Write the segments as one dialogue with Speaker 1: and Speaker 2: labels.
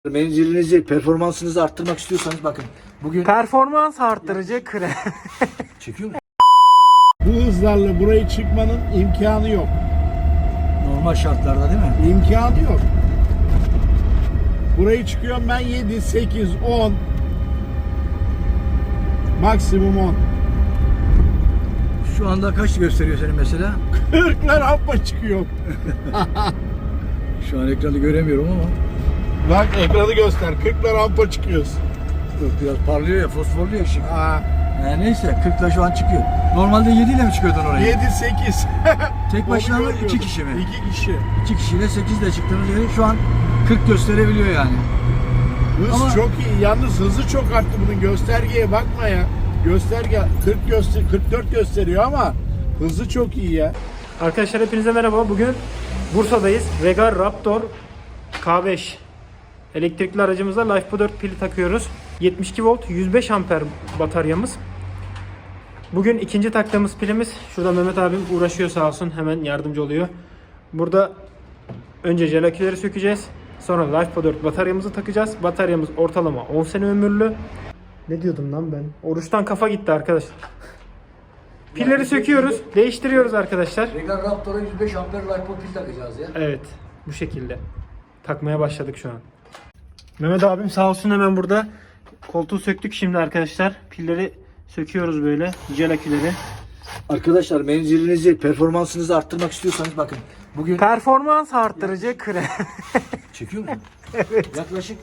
Speaker 1: Menzilinizi, performansınızı arttırmak istiyorsanız bakın. Bugün
Speaker 2: Performans arttırıcı krem.
Speaker 1: çekiyor mu?
Speaker 3: Bu hızlarla burayı çıkmanın imkanı yok.
Speaker 1: Normal şartlarda değil mi?
Speaker 3: İmkanı yok. Burayı çıkıyorum ben 7, 8, 10. Maksimum 10.
Speaker 1: Şu anda kaç gösteriyor senin mesela?
Speaker 3: 40'lar rampa çıkıyor.
Speaker 1: Şu an ekranı göremiyorum ama.
Speaker 3: Bak ekranı göster. 40'lar rampa çıkıyoruz.
Speaker 1: Yok, biraz parlıyor ya, fosforluyor ışık.
Speaker 3: Aa,
Speaker 1: Neyse 40'la şu an çıkıyor. Normalde 7 ile mi çıkıyordun oraya?
Speaker 3: 7, 8.
Speaker 1: Tek başına mı? 2 kişi mi?
Speaker 3: 2 kişi.
Speaker 1: 2 kişiyle 8 ile çıktığınız yeri şu an 40 gösterebiliyor yani.
Speaker 3: Hız
Speaker 1: Ama-
Speaker 3: çok iyi. Yalnız hızı çok arttı bunun. Göstergeye bakma ya. Gösterge 44 gösteriyor ama hızı çok iyi ya.
Speaker 2: Arkadaşlar hepinize merhaba. Bugün Bursa'dayız. Regal Raptor K5 elektrikli aracımıza LiFePO 4 pili takıyoruz. 72 volt 105 amper bataryamız. Bugün ikinci taktığımız pilimiz. Şurada Mehmet abim uğraşıyor sağ olsun. Hemen yardımcı oluyor. Burada önce jel aküleri sökeceğiz. Sonra LiFePO 4 bataryamızı takacağız. Bataryamız ortalama 10 sene ömürlü. Ne diyordum lan ben? Oruçtan kafa gitti arkadaşlar. Pilleri söküyoruz, değiştiriyoruz arkadaşlar.
Speaker 1: Regal Raptor'a 105 amper LiFePO pil takacağız ya.
Speaker 2: Evet, bu şekilde. Takmaya başladık şu an. Mehmet abim sağ olsun hemen burada. Koltuğu söktük şimdi arkadaşlar. Pilleri söküyoruz böyle, jel aküleri.
Speaker 1: Arkadaşlar menzilinizi, performansınızı arttırmak istiyorsanız bakın. Bugün
Speaker 2: Performans arttırıcı krem.
Speaker 1: çekiyor mu? Evet. Yaklaşık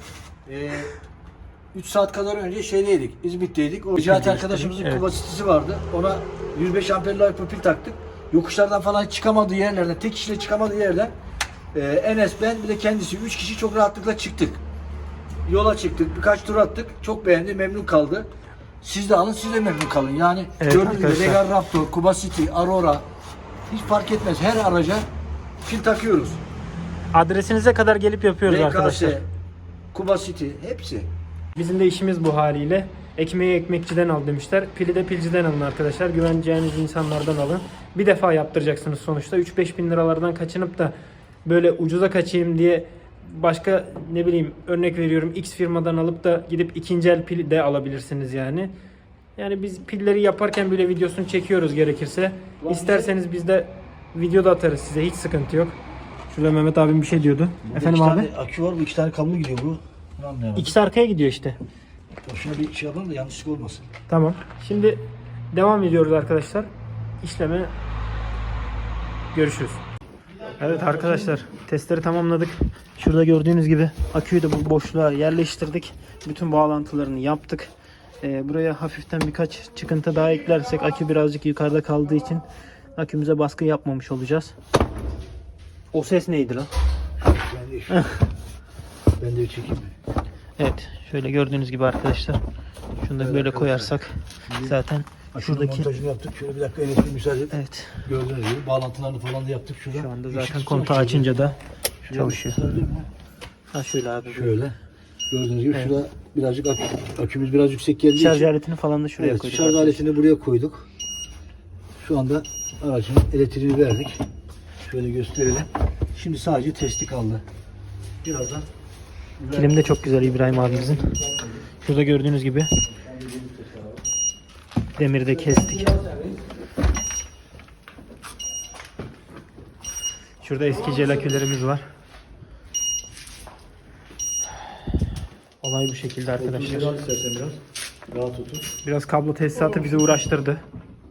Speaker 1: 3 saat kadar önce şeydeydik, İzmit'teydik. O Necati arkadaşımızın
Speaker 2: evet.
Speaker 1: kapasitesi vardı. Ona 105 amper LiFePO pil taktık. Yokuşlardan falan çıkamadığı yerlerden, tek kişiyle çıkamadığı yerden Enes, ben bir de kendisi 3 kişi çok rahatlıkla çıktık. Yola çıktık, birkaç tur attık. Çok beğendi, memnun kaldı. Siz de alın, siz de memnun kalın. Yani
Speaker 2: Evet,
Speaker 1: gördüğünüz gibi
Speaker 2: arkadaşlar.
Speaker 1: Regal Raptor, Kuba City, Aurora hiç fark etmez. Her araca pil takıyoruz.
Speaker 2: Adresinize kadar gelip yapıyoruz arkadaşlar.
Speaker 1: RKS, Kuba City hepsi.
Speaker 2: Bizim de işimiz bu haliyle. Ekmeği ekmekçiden al demişler. Pili de pilciden alın arkadaşlar. Güveneceğiniz insanlardan alın. Bir defa yaptıracaksınız sonuçta. 3-5 bin liralardan kaçınıp da böyle ucuza kaçayım diye başka ne bileyim örnek veriyorum X firmadan alıp da gidip ikinci el pil de alabilirsiniz yani. Yani biz pilleri yaparken bile videosunu çekiyoruz gerekirse. İsterseniz biz de video da atarız size, hiç sıkıntı yok. Şurada Mehmet abim bir şey diyordu. Efendim
Speaker 1: iki
Speaker 2: abi?
Speaker 1: tane akü var, bu 2 tane kablo gidiyor bu. Bunu anlayamadım.
Speaker 2: İkisi arkaya gidiyor işte.
Speaker 1: Şuna bir şey yapalım da yanlışlık olmasın.
Speaker 2: Tamam. Şimdi devam ediyoruz arkadaşlar. İşleme görüşürüz. Evet arkadaşlar, testleri tamamladık. Şurada gördüğünüz gibi aküyü de bu boşluğa yerleştirdik. Bütün bağlantılarını yaptık. Buraya hafiften birkaç çıkıntı daha eklersek akü birazcık yukarıda kaldığı için akümüze baskı yapmamış olacağız. O ses neydi lan?
Speaker 1: Ben de çekeyim mi?
Speaker 2: Evet, şöyle gördüğünüz gibi arkadaşlar. Şunu da böyle koyarsak zaten şuradaki
Speaker 1: montajını yaptık. Şöyle bir dakika elektrik müsaade et.
Speaker 2: evet.
Speaker 1: Gördüğünüz gibi bağlantılarını falan da yaptık şurada.
Speaker 2: Şu anda
Speaker 1: Işık
Speaker 2: zaten
Speaker 1: tutar
Speaker 2: kontağı
Speaker 1: şöyle.
Speaker 2: açınca da
Speaker 1: Şuraya
Speaker 2: çalışıyor.
Speaker 1: göstereyim mi?
Speaker 2: Ha şöyle abi.
Speaker 1: Şöyle. Gördüğünüz gibi
Speaker 2: Evet.
Speaker 1: şurada birazcık akümüz biraz yüksek geldiği
Speaker 2: Şarj
Speaker 1: için.
Speaker 2: aletini falan da şuraya
Speaker 1: Evet,
Speaker 2: koyduk.
Speaker 1: şarj aletini buraya koyduk. Şu anda aracın elektriğini verdik. Şöyle gösterelim. Şimdi sadece testi kaldı. Birazdan
Speaker 2: Kilim de çok güzel İbrahim abimizin. Şurada gördüğünüz gibi demiri de kestik. Şurada eski jel akülerimiz var. Olay bu şekilde arkadaşlar.
Speaker 1: biraz rahat tutun.
Speaker 2: Biraz kablo tesisatı bizi uğraştırdı.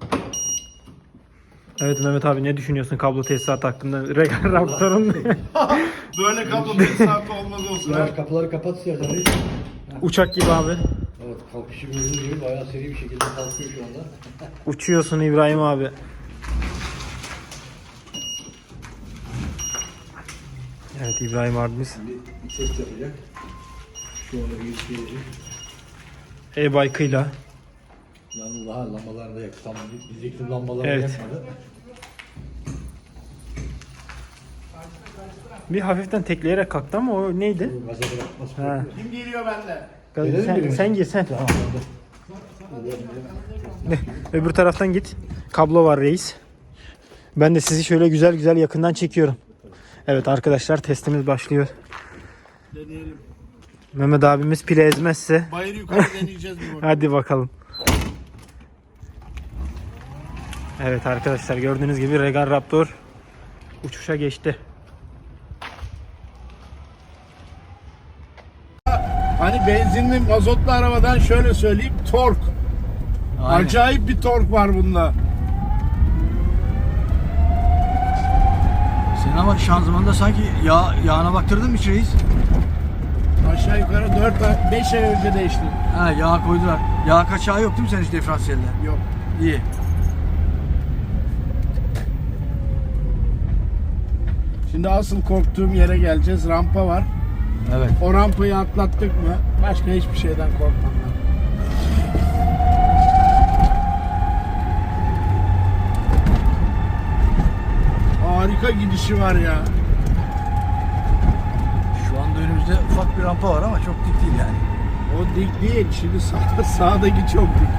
Speaker 2: Evet Mehmet abi, ne düşünüyorsun kablo tesisatı hakkında? Regal Raptor'un
Speaker 3: Böyle kablo 5 saat olmaz olsun.
Speaker 1: Biraz kapıları kapat istersen.
Speaker 2: uçak gibi abi.
Speaker 1: Evet, kalkışı gördüğünüz gibi bayağı seri bir şekilde kalkıyor şu anda.
Speaker 2: Uçuyorsun İbrahim abi. Evet İbrahim abimiz
Speaker 1: Bir test yapacak. Şu anda bir gelecek.
Speaker 2: e-bike'ıyla.
Speaker 1: Yalnız daha lambalar da yaktı. Tam dizekli lambaları
Speaker 2: Evet.
Speaker 1: yakmadı.
Speaker 2: Bir hafiften tekleyerek kalktı ama o neydi?
Speaker 1: Gaza bırakmaz.
Speaker 2: Ha.
Speaker 3: Kim geliyor bende?
Speaker 2: Sen gir sen. Öbür taraftan git. Kablo var reis. Ben de sizi şöyle güzel güzel yakından çekiyorum. Evet arkadaşlar, testimiz başlıyor.
Speaker 3: Deneyelim.
Speaker 2: Mehmet abimiz pile ezmezse.
Speaker 3: Bayır yukarı deneyeceğiz bir bakalım.
Speaker 2: Hadi bakalım. Evet arkadaşlar, gördüğünüz gibi Regal Raptor uçuşa geçti.
Speaker 3: Hani benzinli mazotlu arabadan şöyle söyleyeyim, tork.
Speaker 1: Aynen.
Speaker 3: Acayip bir tork var bunda.
Speaker 1: Sen ama şanzımanda sanki yağına baktırdın mı hiç reis?
Speaker 3: Aşağı yukarı 5 ay önce değişti.
Speaker 1: Ha, yağ koydular. Yağ kaçağı yok değil mi senin hiç diferansiyelde?
Speaker 3: Yok.
Speaker 1: İyi.
Speaker 3: Şimdi asıl korktuğum yere geleceğiz. Rampa var.
Speaker 1: Evet.
Speaker 3: O rampayı atlattık mı başka hiçbir şeyden korkmam ben. Harika gidişi var ya.
Speaker 1: Şu anda önümüzde ufak bir rampa var ama çok dik değil yani.
Speaker 3: O dik değil. Şimdi sağdaki çok dik.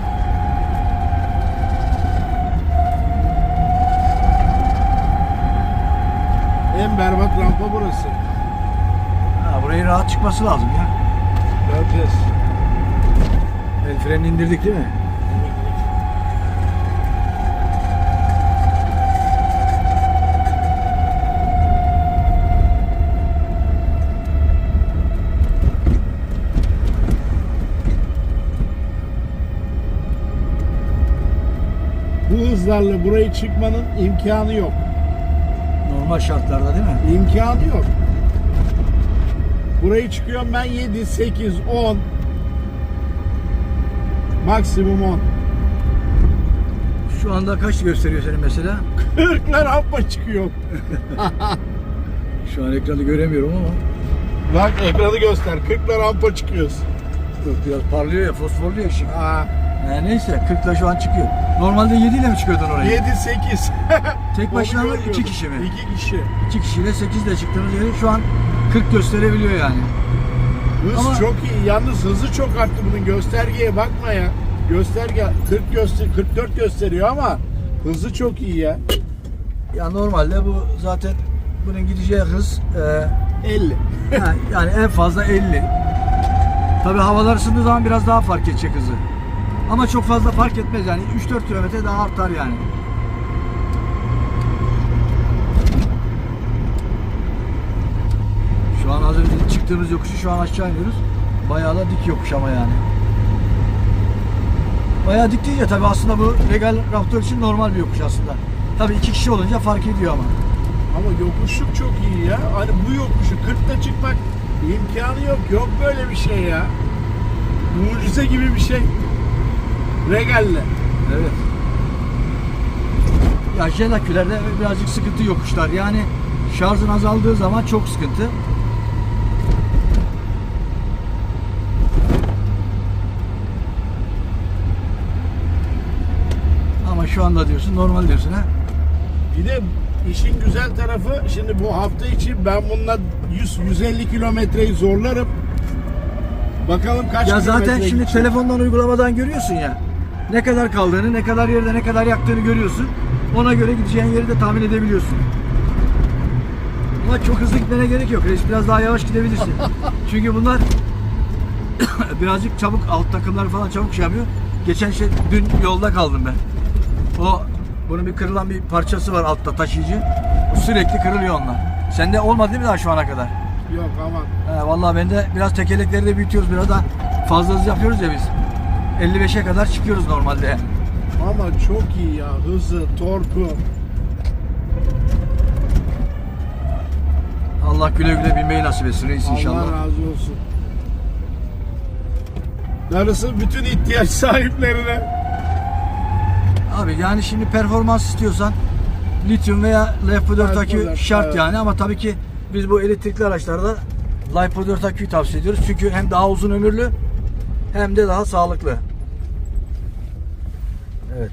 Speaker 3: En berbat rampa burası.
Speaker 1: Ha, burayı rahat çıkması lazım ya.
Speaker 3: Göreceğiz.
Speaker 1: El frenini indirdik değil mi?
Speaker 3: Bu hızlarla burayı çıkmanın imkanı yok.
Speaker 1: Normal şartlarda değil mi?
Speaker 3: İmkanı yok. Burayı çıkıyorum ben 7, 8, 10. Maksimum 10.
Speaker 1: Şu anda kaç gösteriyor senin mesela?
Speaker 3: 40'lar rampa çıkıyor.
Speaker 1: Şu an ekranı göremiyorum ama.
Speaker 3: Bak ekranı göster. 40'lar rampa çıkıyoruz.
Speaker 1: Yok, biraz parlıyor ya, fosforluyor ışık.
Speaker 3: Aa,
Speaker 1: Neyse 40'la şu an çıkıyor. Normalde 7 ile mi çıkıyordun oraya?
Speaker 3: 7, 8.
Speaker 1: Tek başına
Speaker 3: Onu
Speaker 1: mı,
Speaker 3: görmüyorum.
Speaker 1: 2 kişi mi?
Speaker 3: 2 kişi.
Speaker 1: 2 kişiyle 8 ile çıktığınız yeri şu an 40 gösterebiliyor yani.
Speaker 3: Hız
Speaker 1: Ama-
Speaker 3: çok iyi. Yalnız hızı çok arttı bunun. Göstergeye bakma ya. Gösterge 44 gösteriyor ama hızı çok iyi ya.
Speaker 1: Ya normalde bu zaten bunun gideceği hız
Speaker 3: 50.
Speaker 1: yani en fazla 50. Tabii havalar ısındığı zaman biraz daha fark edecek hızı. Ama çok fazla fark etmez yani 3-4 kilometre daha artar yani. Şu an az önce çıktığımız yokuşu şu an aşağı iniyoruz. Bayağı da dik yokuş ama yani. Bayağı dik değil ya tabii aslında bu Regal Raptor için normal bir yokuş aslında. Tabii 2 kişi olunca fark ediyor ama.
Speaker 3: Ama yokuşluk çok iyi ya. Hani bu yokuşu 40'ta çıkmak imkanı yok. Yok böyle bir şey ya. Mucize gibi bir şey. Regal'le.
Speaker 1: Evet. Ya jet akülerde birazcık sıkıntı yokuşlar. Yani şarjın azaldığı zaman çok sıkıntı. Ama şu anda diyorsun normal diyorsun ha.
Speaker 3: Bir de işin güzel tarafı şimdi bu hafta içi ben bununla 100-150 kilometreyi zorlarım. Bakalım kaç
Speaker 1: Ya
Speaker 3: kilometre
Speaker 1: zaten şimdi
Speaker 3: gidecek.
Speaker 1: telefondan uygulamadan görüyorsun ya. Ne kadar kaldığını, ne kadar yerde ne kadar yaktığını görüyorsun. Ona göre gideceğin yeri de tahmin edebiliyorsun. Ama çok hızlı gitmene gerek yok. Reis biraz daha yavaş gidebilirsin. Çünkü bunlar birazcık çabuk, alt takımlar falan çabuk şey yapıyor. Geçen dün yolda kaldım ben. Bunun bir kırılan bir parçası var altta, taşıyıcı. Bu sürekli kırılıyor onlar. Sende olmadı değil mi daha şu ana kadar?
Speaker 3: Yok aman.
Speaker 1: Vallahi ben de biraz tekerlekleri de büyütüyoruz, biraz da fazla hız yapıyoruz ya biz. 55'e kadar çıkıyoruz normalde.
Speaker 3: Ama çok iyi ya. Hızı, torku.
Speaker 1: Allah güle güle binmeyi nasip etsin reis inşallah.
Speaker 3: Allah razı olsun. Darısı bütün ihtiyaç sahiplerine.
Speaker 1: Abi yani şimdi performans istiyorsan lityum veya LiPo4 akü
Speaker 3: LiPo4,
Speaker 1: şart
Speaker 3: evet.
Speaker 1: yani, ama tabii ki biz bu elektrikli araçlarda LiPo4 aküyü tavsiye ediyoruz. Çünkü hem daha uzun ömürlü hem de daha sağlıklı. Evet.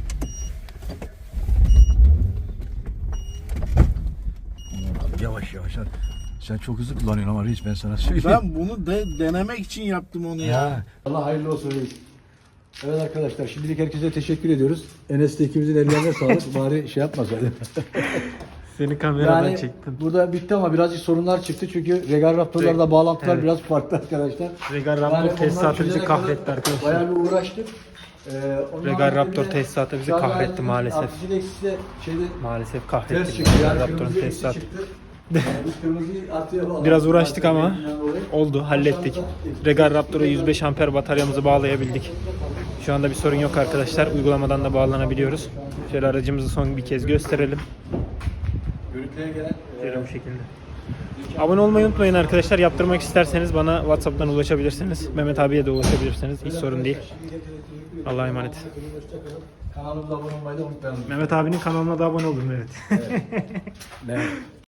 Speaker 1: Abi yavaş yavaş. Sen çok hızlı kullanıyorsun ama reis, ben sana söyleyeyim.
Speaker 3: Ben bunu denemek için yaptım onu ya.
Speaker 1: Allah hayırlı olsun reis. Evet arkadaşlar, şimdilik herkese teşekkür ediyoruz. Enes de ikimizin ellerine sağlık. Bari şey yapmasaydı.
Speaker 2: Seni kameradan
Speaker 1: Yani
Speaker 2: çektim.
Speaker 1: burada bitti ama birazcık sorunlar çıktı çünkü Regal Raptor'larda bağlantılar
Speaker 2: Evet.
Speaker 1: biraz farklı arkadaşlar.
Speaker 2: Regal
Speaker 1: Yani
Speaker 2: Raptor
Speaker 1: onlar
Speaker 2: tesisatı bizi
Speaker 1: çözene
Speaker 2: kahretti
Speaker 1: kadar
Speaker 2: arkadaşlar.
Speaker 1: Bayağı bir uğraştık. Onun
Speaker 2: Regal
Speaker 1: haricinde
Speaker 2: Raptor
Speaker 1: de
Speaker 2: tesisatı bizi
Speaker 1: şu anda
Speaker 2: kahretti maalesef.
Speaker 1: Artısı eksisi de şeyde
Speaker 2: Maalesef
Speaker 1: ters
Speaker 2: kahretti
Speaker 1: çıktı.
Speaker 2: Regal
Speaker 1: Yani
Speaker 2: Raptor'un
Speaker 1: kırmızı eksi
Speaker 2: tesisatı.
Speaker 1: çıktı. Yani biz kırmızıyı artıya bağladık.
Speaker 2: Biraz uğraştık ama
Speaker 1: Renginden dolayı.
Speaker 2: oldu, hallettik. Regal Raptor'a 105 amper bataryamızı bağlayabildik. Şu anda bir sorun yok arkadaşlar. Uygulamadan da bağlanabiliyoruz. Şöyle aracımızı son bir kez gösterelim.
Speaker 1: Görüntüye gelen
Speaker 2: Şöyle bu şekilde. Abone olmayı unutmayın arkadaşlar. Yaptırmak isterseniz bana WhatsApp'tan ulaşabilirsiniz. Mehmet abiye de ulaşabilirsiniz. Hiç sorun değil. Allah'a emanet.
Speaker 1: kanalımıza abone olmayı da unutmayalım.
Speaker 2: Mehmet abinin kanalına da abone olun, evet.
Speaker 1: Evet.